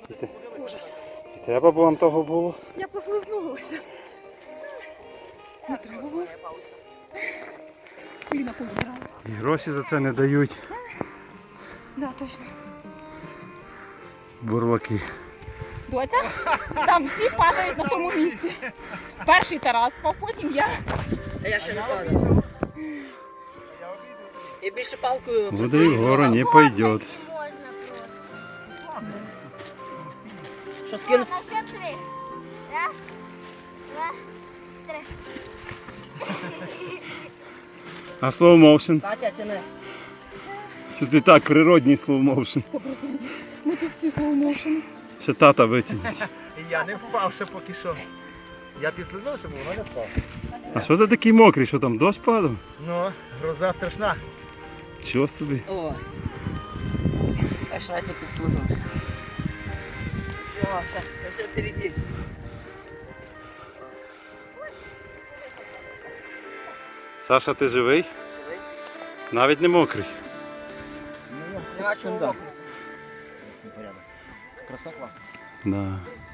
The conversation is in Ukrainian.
Ужас. І треба б вам того було. Я послизнулася. Не треба було. Коліна повідрала. І гроші за це не дають. Да, точно. Бурлаки. Доця, там всі падають на тому місці. Перший Тарас впав, потім я. А я ще не падав. Я більше палкою. Води вгору не пойде. Можно просто. Що скинути? На счет 3. Раз, два, три. А slow motion? Катя, тяни. Що ти так, природній slow motion. 100%. Ми тут всі слоумоушені. Ще тата витягне. І я не впав ще поки що. Я підслизнувся, бо вона не впав. А що ти такий мокрий? Що там дощ падав? Ну, гроза страшна. Що собі? О. Аж радь не підслизнувся. О, все впереді. Саша, ти живий? Навіть не мокрий. Нема чого. Краса класна. Да.